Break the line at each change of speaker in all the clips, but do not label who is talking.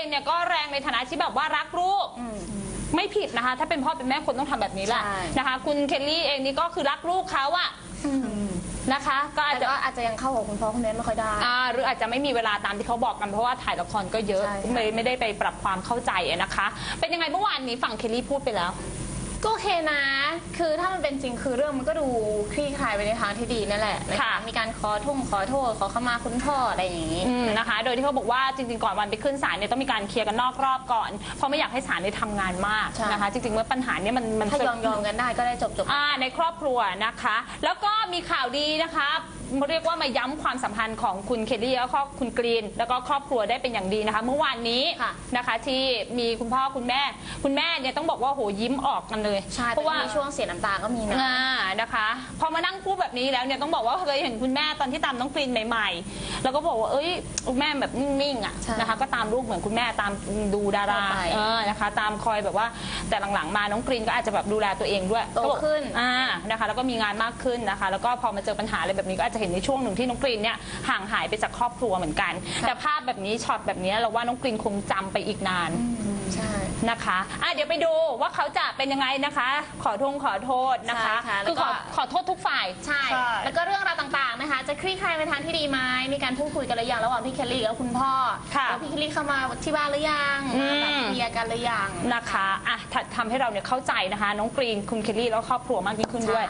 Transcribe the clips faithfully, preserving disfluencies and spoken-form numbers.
องเนี่ยก็แรงในฐานะที่แบบว่ารักลูกไม่ผิดนะคะถ้าเป็นพ่อเป็นแม่คนต้องทำแบบนี้แหละนะคะคุณเคลลี่เองนี่ก็คือรักลูกเขาอะนะคะก็อาจจะ
อาจจะยังเข้ากับคุณพ่อคุณแม่ไม่ค่อยได้
อ่าหรืออาจจะไม่มีเวลาตามที่เขาบอกกันเพราะว่าถ่ายละครก็เยอะไม่ไม่ได้ไปปรับความเข้าใจนะคะเป็นยังไงเมื่อวานนี้ฝั่งเคลลี่พูดไปแล้ว
ก็โอเคนะคือถ้ามันเป็นจริงคือเรื่องมันก็ดูคลี่คลายไปในทางที่ดีนั่นแหละค่ะมีการขอทุ่งขอโทษขอขมาคุณพ่ออะไรอย่างนี้
นะคะโดยที่เขาบอกว่าจริงๆก่อนวันไปขึ้นศาลเนี่ยต้องมีการเคลียร์กันนอกรอบก่อนเพราะไม่อยากให้ศาลได้ทำงานมากนะคะจริงๆเมื่อปัญหาเนี่ยมันมัน
ถ้ายอมยอมกันได้ก็ได้จบจบ
ในครอบครัวนะคะแล้วก็มีข่าวดีนะคะเรียกว่ามาย้ำความสัมพันธ์ของคุณเคลลี่แล้วก็คุณกรีนแล้วก็ครอบครัวได้เป็นอย่างดีนะคะเมื่อวานนี้นะคะที่มีคุณพ่อคุณแม่คุณแม่เนี่ยต้องบอกว่าโหยิ้มออกกันเลย
เพราะว่าช่วงเสียน้ำตาก็มีนะ
นะคะพอมานั่งพูดแบบนี้แล้วเนี่ยต้องบอกว่าเคยเห็นคุณแม่ตอนที่ตามน้องกรีนใหม่ๆแล้วก็บอกว่าเอ้ยคุณแม่แบบนิ่งๆอ่ะนะคะก็ตามลูกเหมือนคุณแม่ตามดูดาราเออนะคะตามคอยแบบว่าแต่หลังๆมาน้องกรีนก็อาจจะแบบดูแลตัวเองด้วย
โตขึ้น
อ่านะคะแล้วก็มีงานมากขึ้นนะคะแล้วก็พอมาเจอปัญหาอะไรแบบนี้ก็อาจจะเห็นในช่วงหนึ่งที่น้องกรีนเนี่ยห่างหายไปจากครอบครัวเหมือนกันแต่ภาพแบบนี้ช็อตแบบนี้เราว่าน้องกรีนคงจำไปอีกนาน
ใช่
นะคะอ่ะเดี๋ยวไปดูว่าเขาจะเป็นยังไงนะคะขอทงขอโทษนะคะคือขอขอโทษทุกฝ่าย
ใช่แล้วก็เรื่องราวต่างๆนะคะจะคลี่คลายในทางที่ดีไหมมีการพูดคุยกันหรือยังระหว่างพี่เคลลี่กับคุณพ่อแล้วพี่เคลลี่เข้ามาที่บ้านหรือยังแบบเคลียร์กันหรือยัง
นะคะอ่ะทำให้เราเนี่ยเข้าใจนะคะน้องกรีนคุณเคลลี่แล้วครอบครัวมากยิ่งขึ้นด้วย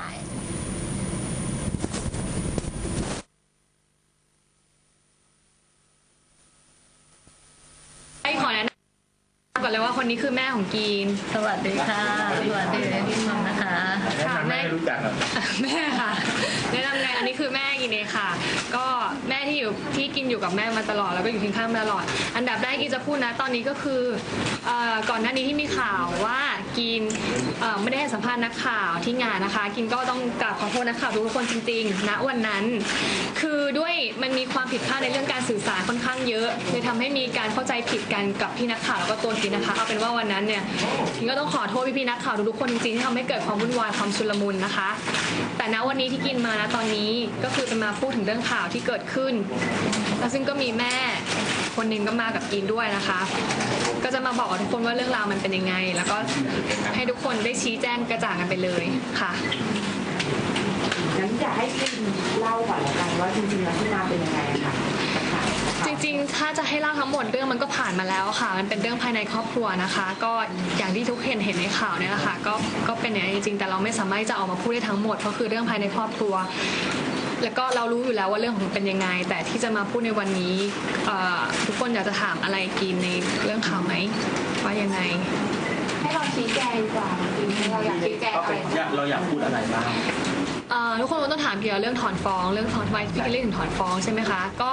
ขอแนะนำก่อนเลยว่าคนนี้คือแม่ของกีน
สวัสดีค่ะสวัสดีพี่มอมนะคะ
ค่ะแม่รู้จักแม่ค่ะแนะนำไงอันนี้คือแม่กินเองค่ะก็แม่ที่อยู่ที่กินอยู่กับแม่มาตลอดแล้วก็อยู่เคียงข้างมาตลอดอันดับแรกกินจะพูดนะตอนนี้ก็คือก่อนหน้านี้ที่มีข่าวว่ากินไม่ได้ให้สัมภาษณ์นักข่าวที่งานนะคะกินก็ต้องกราบขอโทษนักข่าวทุกคนจริงๆณวันนั้นคือด้วยมันมีความผิดพลาดในเรื่องการสื่อสารค่อนข้างเยอะเลยทำให้มีการเข้าใจผิดกันกับพี่นักข่าวแล้วก็ตัวกินนะคะเอาเป็นว่าวันนั้นเนี่ยกินก็ต้องขอโทษพี่ๆนักข่าวทุกๆคนจริงๆที่ทำให้เกิดความวุ่นวายความชุลมุนนะคะแต่ณวันนี้ที่กินมานะตอนนี้ก็คือเป็นมาพูดถึงเรื่องข่าวที่เกิดขึ้นแล้วซึ่งก็มีแม่คนหนึ่งก็มากับกินด้วยนะคะก็จะมาบอกกับทุกคนว่าเรื่องราวมันเป็นยังไงแล้วก็ให้ทุกคนได้ชี้แจงกระจ่างกันไปเลยค่ะ
งั้นอยากให้กินเล่าก่อนละกันว่าจริงๆแล้วที่มาเป็นยังไงค่ะ
จริงๆถ้าจะให้เล่าทั้งหมดเรื่องมันก็ผ่านมาแล้วค่ะมันเป็นเรื่องภายในครอบครัวนะคะก็อย่างที่ทุกเห็นเห็นในข่าวเนี่ยแหละค่ะก็ก็เป็นอย่างนี้จริงๆแต่เราไม่สามารถจะออกมาพูดได้ทั้งหมดเพราะคือเรื่องภายในครอบครัวแล้วก็เรารู้อยู่แล้วว่าเรื่องของมันเป็นยังไงแต่ที่จะมาพูดในวันนี้ทุกคนอยากจะถามอะไรกินในเรื่องข่าวไหมว่ายังไง
ให้เราชี้แจงดีกว่าเราอยากชี้แจงอะไร
เราอยากพูดอะไรบ้าง
ทุกคนต้องถามเกี่ยวกับเรื่องถอนฟ้องเรื่องถอนทำไมพี่เรื่องถึงถอนฟ้องใช่ไหมคะก็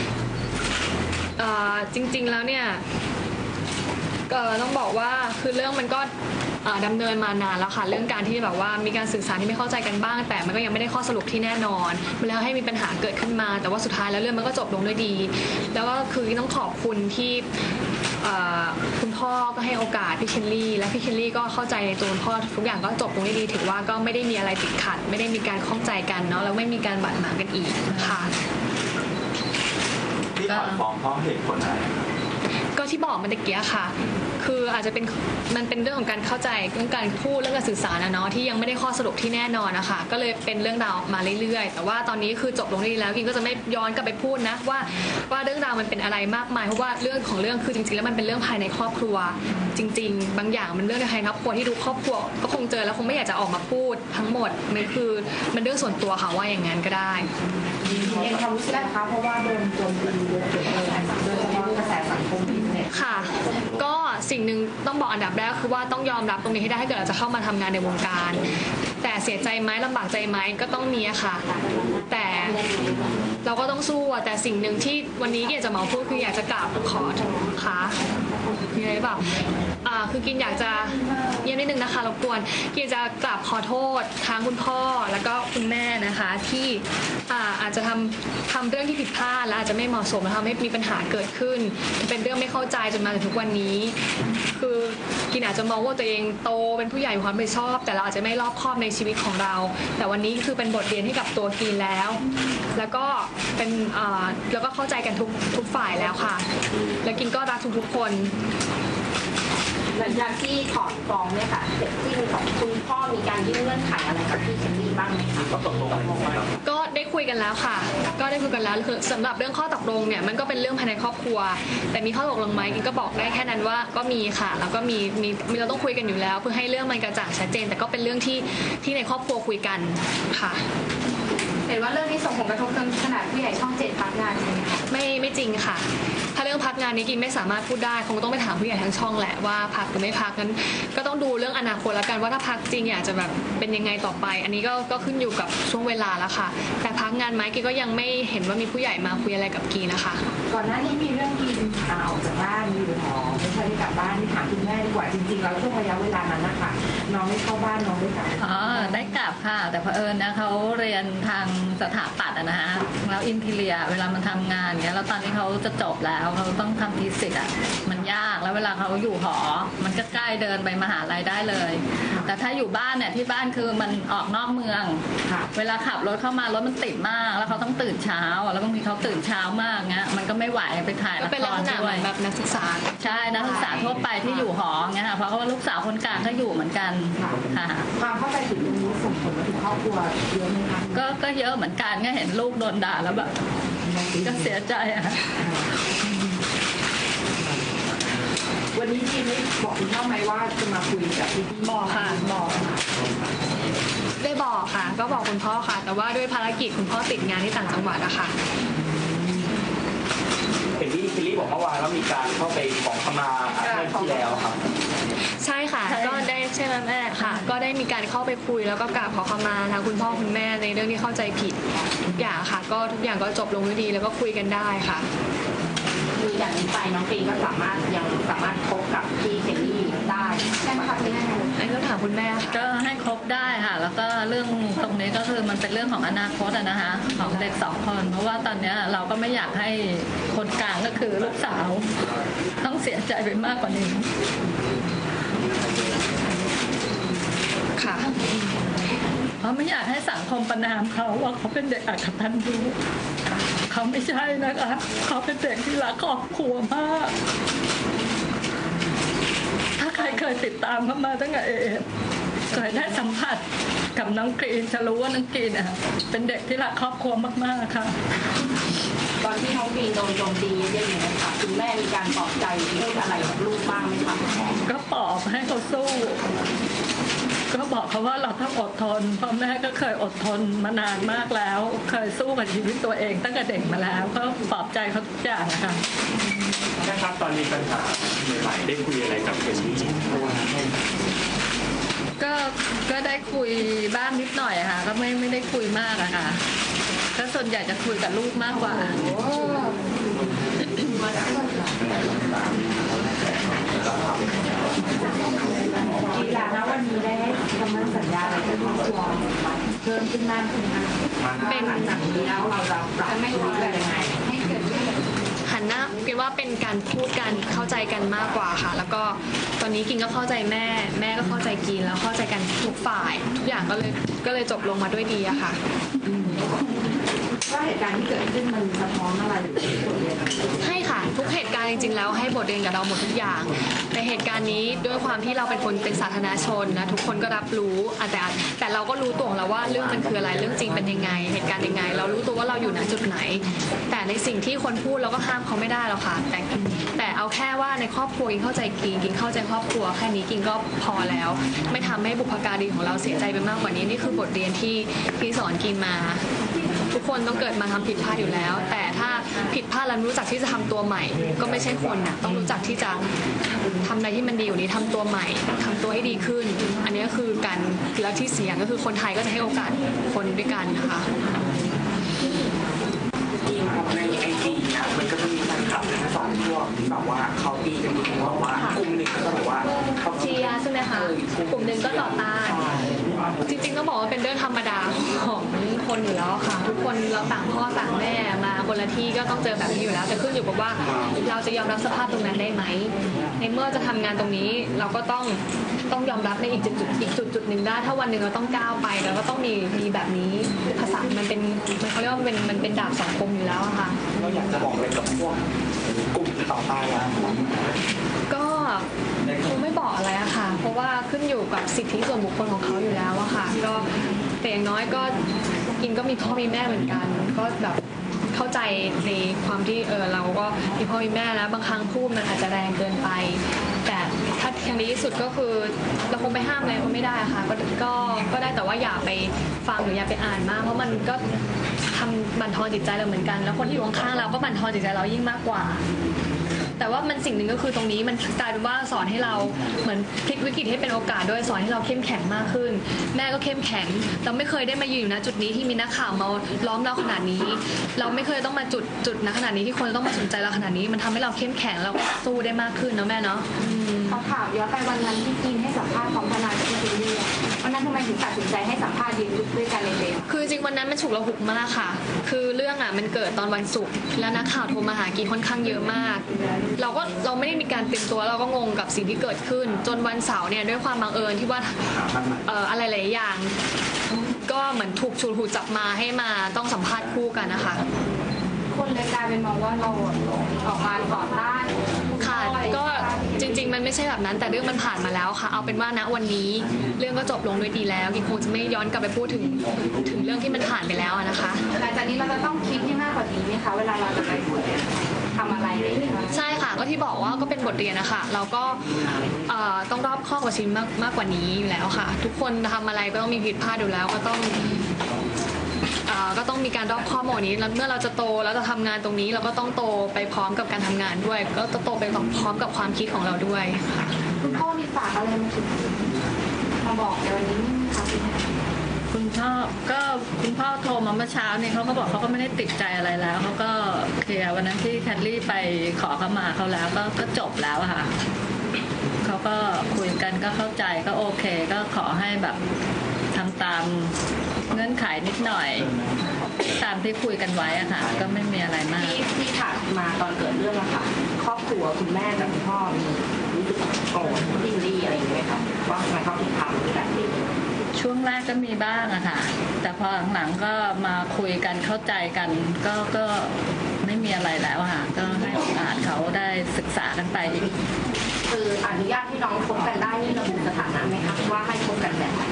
จริงๆแล้วเนี่ยต้องบอกว่าคือเรื่องมันก็ดำเนินมานานแล้วค่ะเรื่องการที่แบบว่ามีการสื่อสารที่ไม่เข้าใจกันบ้างแต่มันก็ยังไม่ได้ข้อสรุปที่แน่นอนมันแล้วให้มีปัญหาเกิดขึ้นมาแต่ว่าสุดท้ายแล้วเรื่องมันก็จบลงด้วยดีแล้วก็คือต้องขอบคุณที่คุณพ่อก็ให้โอกาสพี่เคลลี่และพี่เคลลี่ก็เข้าใจในตัวคุณพ่อทุกอย่างก็จบลงได้ดีถือว่าก็ไม่ได้มีอะไรติดขัดไม่ได้มีการข้องใจกันเนาะแล้วไม่มีการบาดหมางกันอีกค่ะ
ที่ถอนฟ้องเพราะเหตุผลอะไร
ก็ที่บอกมันตะเกียค่ะคืออาจจะเป็นมันเป็นเรื่องของการเข้าใจเรื่องการพูดเรื่องการสื่อสารนะเนาะที่ยังไม่ได้ข้อสรุปที่แน่นอนนะคะก็เลยเป็นเรื่องราวมาเรื่อยๆแต่ว่าตอนนี้คือจบลงได้แล้วกินก็จะไม่ย้อนกลับไปพูดนะว่าว่าเรื่องราวมันเป็นอะไรมากมายเพราะว่าเรื่องของเรื่องคือจริงๆแล้วมันเป็นเรื่องภายในครอบครัวจริงๆบางอย่างมันเรื่องในภายในครอบครัวที่ดูครอบครัวก็คงเจอแล้วคงไม่อยากจะออกมาพูดทั้งหมดมันคือมันเรื่องส่วนตัวค่ะว่าอย่างนั้นก็ได้
เองความรู้สึกนะคะเพราะว่าโดนโจมตีโดยเฉพาะกระแสสังคมเนี่ย
ค่ะก็สิ่งหนึ่งต้องบอกอันดับแรกคือว่าต้องยอมรับตรงนี้ให้ได้ถ้าเกิดเราจะเข้ามาทำงานในวงการแต่เสียใจไหมลำบากใจไหมก็ต้องมีค่ะแต่เราก็ต้องสู้แต่สิ่งหนึ่งที่วันนี้อยากจะมาพูดคืออยากจะกราบขอค่ะมีอะไรเปล่าคือกินอยากจะเยี่ยมนิดนึงนะคะรบกวนกินจะกราบขอโทษทางคุณพ่อแล้วก็คุณแม่นะคะที่อ่าอาจจะทำทำเรื่องที่ผิดพลาดและอาจจะไม่เหมาะสมและทำให้มีปัญหาเกิดขึ้นเป็นเรื่องไม่เข้าใจจนมาถึงทุกวันนี้คือกินอาจจะมองว่าตัวเองโตเป็นผู้ใหญ่มีความรับผิดชอบแต่เราอาจจะไม่รอบคอบในชีวิตของเรา แต่วันนี้คือเป็นบทเรียนให้กับตัวกินแล้วแล้วก็เป็นอ่าแล้วก็เข้าใจกันทุกทุกฝ่ายแล้วค่ะแล้วกินก็รักทุกๆคน
หลังจากที่ถอนฟ้องเนี่ยค่ะเสร็จที่ของคุณพ่อมีการยื่นเงื่อนไขอะไรกับพี่เคลลี่บ้างไหมคะก็ตกลงกันไหม
ก็ได้คุยกันแล้วค่ะก็ได้คุยกันแล้วคือสำหรับเรื่องข้อตกลงเนี่ยมันก็เป็นเรื่องภายในครอบครัวแต่มีข้อตกลงไหมกินก็บอกได้แค่นั้นว่าก็มีค่ะแล้วก็มีมีมีเราต้องคุยกันอยู่แล้วเพื่อให้เรื่องมันกระจ่างชัดเจนแต่ก็เป็นเรื่องที่ที่ในครอบครัวคุยกันค่ะ
เห็นว่าเรื่องนี้ส่งผลกระทบจนขนาดผู้ใหญ่ช่องเจ็ดพักงานใช่ไหมคะ
ไม่ไม่จริงค่ะถ้าเรื่องพักงานนี้กินไม่สามารถพูดได้คงต้องไปถามผู้ใหญ่ทั้งช่องแหละว่าพักหรือไม่พักนั้นก็ต้องดูเรื่องอนาคตแล้วกันว่าถ้าพักจริงอยากจะแบบเป็นยังไงต่อไปอันนี้ก็ก็ขึ้นอยู่กับช่วงเวลาแล้วค่ะแต่พักงานไหมกินก็ยังไม่เห็นว่ามีผู้ใหญ่มาคุยอะไรกับกีนะคะ
ก่อนหน้านี้มีเรื่องกีนออกจากบ้านอยู่หอไม่ค่อยได้กลับบ้านที่ถามคุณแม่ดีกว่าจริงๆแล้วช่วงระยะเวลานั้นนะคะน้องไม่เข้าบ้านน้องได้กลับ
อ๋อได้กลับค่ะแต่เผอิญนะเขาเรียนทางสถาปัตย์นะฮะแล้วอินทีเรียเวลามันทำงานเงี้ยแล้วตอนนี้เขาจะจบแล้วเขาต้องทำทีสิทธ์อ่ะมันยากแล้วเวลาเขาอยู่หอมันก็ใกล้เดินไปมหาลัยได้เลยแต่ถ้าอยู่บ้านเนี่ยที่บ้านคือมันออกนอกเมืองเวลาขับรถเข้ามารถมันติดมากแล้วเขาต้องตื่นเช้าแล้วบางทีเขาตื่นเช้ามากเงี้ยมันก็ไม่ไหวไปถ่ายละครด้วย
แบบนักศึกษา
ใช่นักศึกษาทั่วไปที่อยู่หอเงี้ยค่ะเพราะว่าลูกสาวคนกลางก็อยู่เหมือนกันค่ะ
ความเข้าใจผิดตรงนี้ส่งผลมาถึงครอบครัวเยอะไหมคะ
ก็ก็เยอะเหมือนกันก็เห็นลูกโดนด่าแล้วแบบก็เสียใจอ่ะ
วันนี้ทีนี้บอกคุณพ่อไหมว่าจะมาคุยกับพี่
บอกค่ะบอกได้บอกค่ะก็บอกคุณพ่อค่ะแต่ว่าด้วยภารกิจคุณพ่อติดงานที่ต่างจังหวัดอะค่ะ
เห็นที่คิลลี่บอกเมื่อวานว่ามีการเข้าไปขอขมาเมื่อที่แล้วครับ
ใช่ค่ะก็ได้ใช่ไหมแม่ค่ะก็ได้มีการเข้าไปคุยแล้วก็กราบขอขมาทางคุณพ่อคุณแม่ในเรื่องที่เข้าใจผิดทุกอย่างค่ะก็ทุกอย่างก็จบลงด้วยดีแล้วก็คุยกันได้ค่ะ
คืออย่างนี้ไปน้องปีก็สามารถยังสามารถคบกับพี่เคลลี่ได้ใช่ไหมคะพี่แม่
อันนี้ต้องถามคุณแม่
ก็ให้คบได้ค่ะแล้วก็เรื่องตรงนี้ก็คือมันเป็นเรื่องของอนาคตนะคะของเด็กสองคนเพราะว่าตอนนี้เราก็ไม่อยากให้คนกลางก็คือลูกสาวต้องเสียใจไปมากกว่านี้
ค่ะ
เพราะไม่อยากให้สังคมประณามเขาว่าเขาเป็นเด็กอักตันยูเขาไม่ใช่นะคะเขาเป็นเด็กที่รักครอบครัวมากถ้าใครเคยติดตามเขามาตั้งแต่เอเคยได้สัมผัสกับน้องกรีนจะรู้ว่าน้องกรีนอ่ะเป็นเด็กที่รักครอบครัวมากๆค่ะ
ตอนที่น้องกรีนโดนโจมตีเยอะๆเนี่ยค่ะคุณแม่มีการปลอบใจพูดอะไรกับลูกบ้างไหมคะ
ก็ปลอบให้เขาสู้ก็บอกเขาว่าเราต้องอดทนเพราะแม่ก็เคยอดทนมานานมากแล้วเคยสู้กับชีวิตตัวเองตั้งแต่เด็กมาแล้วก็ปลอบใจเขาทุกอย่างนะคะ
นะครับตอนมีปัญหาใหม่ๆได้คุยอะไรกับเคลลี่
ก็ก็ได้คุยบ้างนิดหน่อยค่ะก็ไม่ไม่ได้คุยมากอะค่ะก็ส่วนใหญ่จะคุยกับลูกมากกว่า
กีฬาณวันนี้ได้คำมั่นสัญญาอะไรกับครอบครัวเพิ่มขึ้นมากขึ้นไหมเป็นหลังจากนี้แล้วเราจะปรับไม่รู้อะไรยังไงให้เกิดขึ้น
หันหน้ากินว่าเป็นการพูดกันเข้าใจกันมากกว่าค่ะแล้วก็ตอนนี้กินก็เข้าใจแม่แม่ก็เข้าใจกินแล้วเข้าใจกันทุกฝ่ายทุกอย่างก็เลยก็เลยจบลงมาด้วยดีอะค่ะ
ว่าเหตุการณ์ที่เกิดขึ้นมันสะท้อนอะไรหรือบทเรียน
ให้ค่ะทุกเหตุการณ์จริงๆแล้วให้บทเรียนกับเราหมดทุกอย่างแต่เหตุการณ์นี้ด้วยความที่เราเป็นคนเป็นสาธารณชนนะทุกคนก็รับรู้แต่แต่เราก็รู้ตัวของเราว่าเรื่องมันคืออะไรเรื่องจริงเป็นยังไงเหตุการณ์ยังไงเรารู้ตัวว่าเราอยู่ณจุดไหนแต่ในสิ่งที่คนพูดเราก็ห้ามเขาไม่ได้หรอกค่ะแต่แต่เอาแค่ว่าในครอบครัวกินเข้าใจกินกินเข้าใจครอบครัวแค่นี้กินก็พอแล้วไม่ทำให้บุพการีของเราเสียใจไปมากกว่านี้นี่คือบทเรียนที่ที่สอนกินมาทุกคนต้องเกิดมาทำผิดพลาดอยู่แล้วแต่ถ้าผิดพลาดแล้วรู้จักที่จะทำตัวใหม่ก็ไม่ใช่คนนะต้องรู้จักที่จะทำอะไรที่มันดีอยู่นี้ทำตัวใหม่ทำตัวให้ดีขึ้นอันนี้ก็คือการแล้วที่เสียงก็คือคนไทยก็จะให้โอกาสคนด้วยกันนะคะ
ในไอจีเนี่ยมันก็จะมีแฟนคลับทั้งสองพวกที่แบบว่าเขาตีกันอยู่บอกว่ากลุ่มหนึ่งก็จะบอกว่า
เชียร์ใช่ไหมคะกลุ่มหนึ่งก็ต่อต้านจริงๆต้องบอกว่าเป็นเรื่องธรรมดาของคนอยู่แล้วค่ะทุกคนเราต่างพ่อต่างแม่มาคนละที่ก็ต้องเจอแบบนี้อยู่แล้วแต่ขึ้นอยู่กับว่าเราจะยอมรับสภาพตรงนั้นได้ไหมในเมื่อจะทำงานตรงนี้เราก็ต้องต้องยอมรับในอีกจุดอีกจุดจุดหนึ่งได้ถ้าวันหนึ่งเราต้องก้าวไปเราก็ต้องมีมีแบบนี้ภาษามันเป็นมันเขาเรียกว่ามันเป็นมันเป็นดาบสองคมอยู่แล้วอะค่ะ
เราอยากจะบอกอะไรกับพวกกลุ่มต่อต้านเรา
ก็คงไม่บอกอะไรอะค่ะเพราะว่าขึ้นอยู่กับสิทธิส่วนบุคคลของเขาอยู่แล้วอะค่ะก็แต่อย่างน้อยก็กินก็มีพ่อมีแม่เหมือนกันก็แบบเข้าใจในความที่เออเราก็มีพ่อมีแม่แล้วบางครั้งพูดมันอาจจะแรงเกินไปแต่ถ้าอย่างดีที่สุดก็คือเราคงไปห้ามอะไรเขาไม่ได้ค่ะก็ก็ก็ได้แต่ว่าอย่าไปฟังหรืออย่าไปอ่านมากเพราะมันก็ทำบั่นทอนจิตใจเราเหมือนกันแล้วคนที่อยู่ข้างๆเราก็บั่นทอนจิตใจเรายิ่งมากกว่าแต่ว่ามันสิ่งหนึ่งก็คือตรงนี้มันกลายเป็นว่าสอนให้เราเหมือนพลิกวิกฤตให้เป็นโอกาสด้วยสอนให้เราเข้มแข็งมากขึ้นแม่ก็เข้มแข็งเราไม่เคยได้มายืนอยู่ณจุดนี้ที่มีนักข่าวมาล้อมเราขนาดนี้เราไม่เคยต้องมาจุดจุดณขนาดนี้ที่คนต้องมาสนใจเราขนาดนี้มันทำให้เราเข้มแข็งเราสู้ได้มากขึ้นเนาะแม่เนาะ
เขาถามย้อนไปวันนั้นที่กินให้สัมภาษณ์ของทนายกับพี่จูเลียวันนั้นทำไมถึงตัดสินใจให้สัมภาษณ์ยืนด้วยกันเลยเลย
คือจริงวันนั้นมันฉุกละหุกมากค่ะคือเรื่องอ่ะมันเกิดตอนวันศุกร์แล้วนักข่าวโทรมาหากีค่อนข้างเยอะมากเราก็เราไม่ได้มีการเตรียมตัวเราก็งงกับสิ่งที่เกิดขึ้นจนวันเสาร์เนี่ยด้วยความบังเอิญที่ว่าเอ่ออะไรหลายอย่างก็เหมือนถูกชูถูกจับมาให้มาต้องสัมภาษณ์คู่กันนะคะ
คนเลยกลายเป็นมองว่าเราออกมาต่อต้าน
ค่ะก็จริงๆมันไม่ใช่แบบนั้นแต่เรื่องมันผ่านมาแล้วค่ะเอาเป็นว่าณวันนี้เรื่องก็จบลงด้วยดีแล้วกินคงจะไม่ย้อนกลับไปพูดถึงถึงเรื่องที่มันผ่านไปแล้วนะคะ
หลังจากนี้เราจะต้องคิดให้มากกว่านี้ไหมคะเวลาเราจะไปทำอะไรอย่างเงี้ย
ใช่ค่ะก็ที่บอกว่าก็เป็นบทเรียนนะคะเราก็เอ่อต้องรอบคอบกว่าชีวิตมากมากกว่านี้อยู่แล้วค่ะ ทุกคนทำอะไรก็ต้องมีผิดพลาดอยู่แล้วก็ต้องเอ่อก็ต้องมีการรอบคอบหมดนี้แล้วเมื่อเราจะโตแล้วจะทำงานตรงนี้เราก็ต้องโตไปพร้อมกับการทำงานด้วย ก็จะโตไปพร้อมกับความคิดของเราด้วยค่ะ
คุณพ่อมีฝากอะไรมาถึงมาบอกในวันนี้ไหมคะคุณแม่
คุณพ่อก็คุณพ่อโทรมาเมื่อเช้าเนี่ยเขาก็บอกเขาก็ไม่ได้ติดใจอะไรแล้วเขาก็เคลียร์วันนั้นที่แคทลี่ไปขอเขามาเขาแล้วก็ก็จบแล้วอะค่ะเขาก็คุยกันก็เข้าใจก็โอเคก็ขอให้แบบทำตามเงื่อนไขนิดหน่อยตามที่คุยกันไว้อะค่ะก็ไม่มีอะไรมาก
ที่ที่ถามมาตอนเกิดเรื่องอะค่ะครอบครัวคุณแม่กับคุณพ่อมีรู้สึกโกรธดิ้นรี่อะไรอย่างเงี้ยไหมคะว่าทำไมเขาถึงทำแบบนี้
ช่วงแรกก็มีบ้างอะค่ะแต่พอหลังๆก็มาคุยกันเข้าใจกันก็ก็ไม่มีอะไรแล้วอะค่ะก็ให้โอกาสเขาได้ศึกษากันไปอีก
คืออนุญาตให้น้องคบกันได้นี่ระบุสถานะไหมคะว่าให้คบกันแบบไหน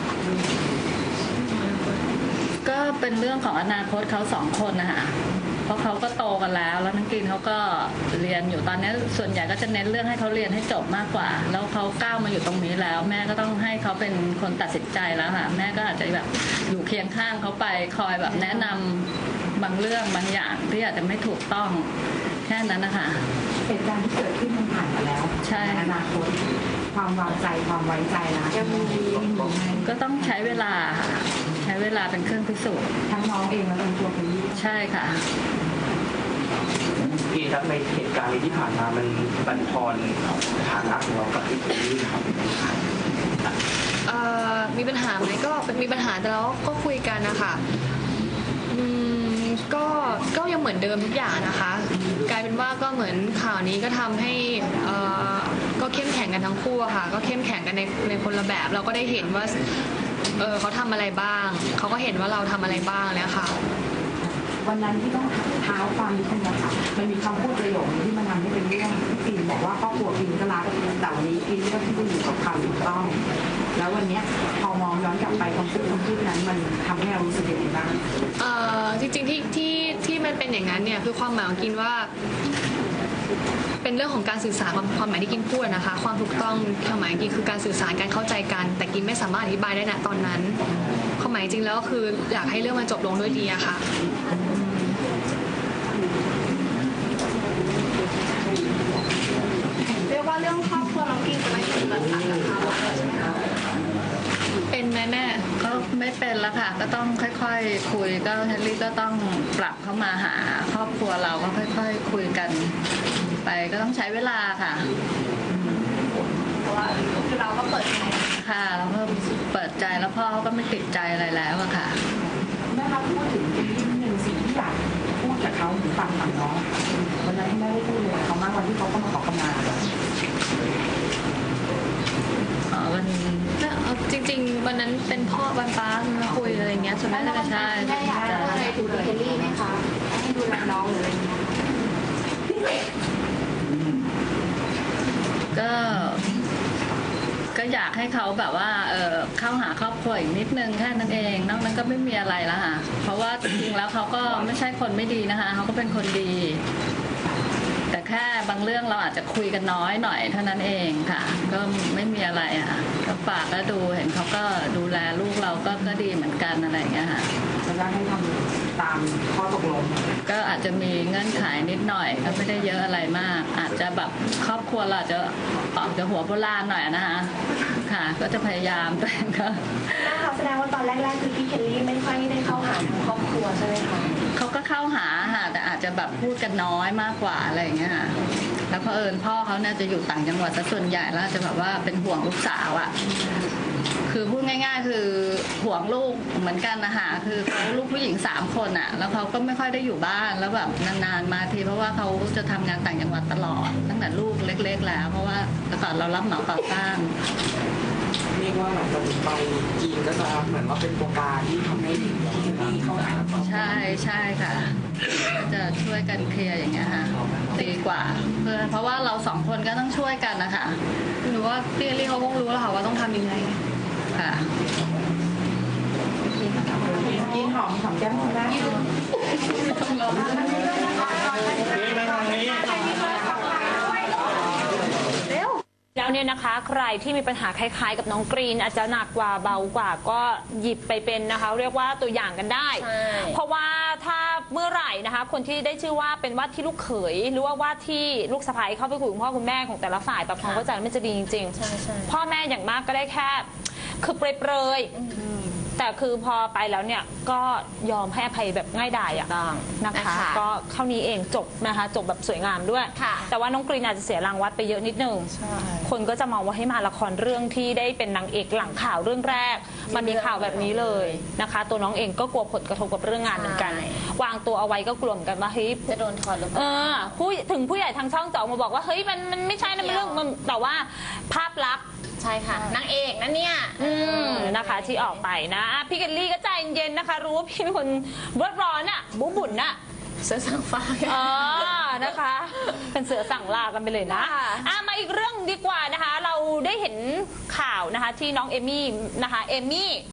ก็เป็นเรื่องของอนาคตเขาสองคนนะคะเพราะเขาก็โตกันแล้วแล้วนักกินเขาก็เรียนอยู่ตอนนี้ส่วนใหญ่ก็จะเน้นเรื่องให้เขาเรียนให้จบมากกว่าแล้วเขาก้าวมาอยู่ตรงนี้แล้ว แม่ก็ต้องให้เขาเป็นคนตัดสินใจแล้วค่ะแม่ก็อาจจะแบบอยู่เคียงข้างเขาไปคอยแบบแนะนำบางเรื่องบางอย่างที่อาจจะไม่ถูกต้องแค่นั้นนะคะ
เหตุการณ์ที่เกิดขึ้นมันผ่านมาแล้ว
ใช่
อนาคตความวางใจความไว้ใจนะยังมีอยู่ไหม
ก็ต้องใช้เวลาค่ะใช้เวลาเป็นเครื่องพิสูจน์
ทั้งน้องเองและทั้งตัวคุณยี่
ใช่ค่ะ
พี่ครับในเหตุการณ์นี้ที่ผ่านมามันบั่นทอนฐานะของเรากับที่ตรงนี้ครับ
เอ่อมีปัญหาไหมก็มีปัญหาแต่เราก็คุยกันนะคะอืมก็ก็ยังเหมือนเดิมทุกอย่างนะคะ กลายเป็นว่าก็เหมือนข่าวนี้ก็ทำให้เอ่อก็เข้มแข็งกันทั้งคู่อะค่ะก็เข้มแข็งกันในในคนละแบบเราก็ได้เห็นว่าเออเขาทำอะไรบ้างเขาก็เห็นว่าเราทำอะไรบ้างแล้วค่ะ
วันนั้นที่ต้องเท้าความนิดนึงนะคะมันมีคำพูดประโยคนึงที่มันทำให้เป็นเรื่องที่ปินบอกว่าครอบครัวปินก็รักแต่วันนี้ปินก็ที่อยู่กับความถูกต้อง แล้ววันเนี้ยพอมองย้อนกลับไปคำพูดคำพูดนั้นมันทำให้เรารู้สึกยังไงบ้าง
เอ่อจริงๆที่ที่ที่มันเป็นอย่างนั้นเนี่ยคือความหมายของกินว่า เป็นเรื่องของการสื่อสารความความหมายที่กินพูดนะคะ ความถูกต้องความหมายกินคือการสื่อสารการเข้าใจกัน แต่กินไม่สามารถอธิบายได้ณตอนนั้นความหมายจริงแล้วก็คืออยากให้เรื่องมันจบลงด้วยดีอะค่ะเรียกว่าเรื่องครอบครัวน้องกินจะไม่เป็นปัญหานะคะเป็นไหมแม่
ก็ไม่เป็นแล้วค่ะก็ต้องค่อยๆคุยก็เฮนรี่ก็ต้องปรับเข้ามาหาครอบครัวเราก็ค่อยๆคุยกันไปก็ต้องใช้เวลาค่ะ
ค
แต่ว่าคือเราก็เปิดใจ
ค่ะแล้วก็เปิดใจแล้วพ่อเขาก็ไม่ติดใจอะไรแล้วอะค่ะ
แม่ครับพูดถึงอีกนิดนึงสิ่งที่อยากพูดกับเขาหรือฟังฝั่งน้องวันนั้นที่แม่ได้พูดเลยกับเขามากวันที่เขาเข้ามาขอขมา
อ๋อวัน
เอาจริง ๆ วันนั้นเป็นพ่อวันป้ามาคุยอะไรเงี้ยส่วนแม่ก็
ใช่
แม่อยากจะอะไรถึงเคลลี่ไหมคะให้ดูแลน้องหรืออะไรอย่างเงี้ย
ก็ ก็อยากให้เขาแบบว่าเออเข้าหาครอบครัวอีกนิดนึงแค่นั้นเองนอกนั้นก็ไม่มีอะไรแล้วค่ะเพราะว่าจริงๆแล้วเขาก็ไม่ใช่คนไม่ดีนะคะเขาก็เป็นคนดี แต่แค่บางเรื่องเราอาจจะคุยกันน้อยหน่อยเท่านั้นเองค่ะ ก็ไม่มีอะไรอะค่ะก็ฝากแล้วดูเห็นเขาก็ดูแลลูกเราก็ก็ดีเหมือนกันอะไรอย่างเงี้ยค่ะ
แล้วก็ให้ทำตามข้อตกลง
ก็อาจจะมีเงื่อนไขนิดหน่อยก็ไม่ได้เยอะอะไรมาก อาจจะแบบครอบครัวเราอาจจะออกจากหัวโบราณหน่อยนะคะค่ะ ก็จะพยายามแต่ก็
แม่คะแสดงว่าตอนแรกๆคือพี่เคลลี่ไม่ค่อยได้เข้าหาทางครอบครัวใช่ไหมคะ
เขาก็เข้าหาค่ะแต่อาจจะแบบพูดกันน้อยมากกว่าอะไรอย่างเงี้ยค่ะแล้วเผอิญพ่อเขาเนี่ยจะอยู่ต่างจังหวัดซะส่วนใหญ่แล้วจะแบบว่าเป็นห่วงลูกสาวอ่ะคือพูดง่าย ๆ คือห่วงลูกเหมือนกันนะคะคือเขาลูกผู้หญิงสามคนอ่ะแล้วเขาก็ไม่ค่อยได้อยู่บ้านแล้วแบบนานๆมาทีเพราะว่าเขาจะทำงานต่างจังหวัดตลอดตั้งแต่ลูกเล็ก ๆ แล้วเพราะว่าแต่ก่อนเรารับเหมาก่อสร้าง
เรียกว่าหลังจากนี้ไปจีนก็จะเหมือนว่าเป็นตัวการที่ทำให้พี่เคลลี่เข้าหาครอบครัว
ใช่ใช่ค่ะก็จะช่วยกันเคลียร์อย่างเงี้ยค่ะดีกว่าเพื่อเพราะว่าเราสองคนก็ต้องช่วยกันนะคะ
หนูว่าพี่เคลลี่เขาคงรู้แล้วค่ะว่าต้องทำยังไง
ค่ะ
กินหอมหอมแก้มคุณแม่
แล้วเนี่ยนะคะใครที่มีปัญหาคล้ายๆ กับน้องกรีนอาจจะหนักกว่าเบากว่าก็หยิบไปเป็นนะคะ เรียกว่าตัวอย่างกันได้
ใช่
เพราะว่าถ้าเมื่อไหร่นะคะ คนที่ได้ชื่อว่าเป็นว่าที่ลูกเขยหรือว่าว่าที่ลูกสะใภ้เข้าไปคุยกับคุณพ่อคุณแม่ของแต่ละฝ่ายแบบความเข้าใจมันจะดีจริง
ใช่ใช่
ๆพ่อแม่อย่างมากก็ได้แค่คือเปรยๆแต่คือพอไปแล้วเนี่ยก็ยอมให้อภัยแบบง่ายดายอะนะคะ ก็เท่านี้เองจบนะคะจบแบบสวยงามด้วย
ค่ะ
แต่ว่าน้องกรีนอาจจะเสียรางวัลไปเยอะนิดนึง คนก็จะมองว่าให้มาละครเรื่องที่ได้เป็นนางเอกหลังข่าวเรื่องแรก มันมีข่าวแบบนี้เลยนะคะ ตัวน้องเองก็กลัวผลกระทบกับเรื่องงานเหมือนกัน
ใช่
วางตัวเอาไว้ก็กลัวเหมือนกันว่าเฮ้ย
จะโดนถอดหรือเป
เอ
ล่า
อผู้ถึงผู้ใหญ่ทางช่องจะออกมาบอกว่าเฮ้ยมันมันไม่ใช่นะมันเรื่องมันแต่ว่าภาพลักษณ์
ใช่ค่ะนางเอกนั่นเนี่ย
อืมนะคะที่ออกไปนะอ่ะพี่เกลลี่ก็ใจเย็นๆนะคะ รู้ว่าพี่เป็นคนรดร้อนอ่ะบุบุ่นอ่ะ
เสือสังฟ้า
เออนะคะ เป็นเสือสั่งลากันไปเลยนะ
ค่ะ
อ่ะมาอีกเรื่องดีกว่านะคะ เราได้เห็นข่าวนะคะที่น้องเอมี่นะคะเอมี่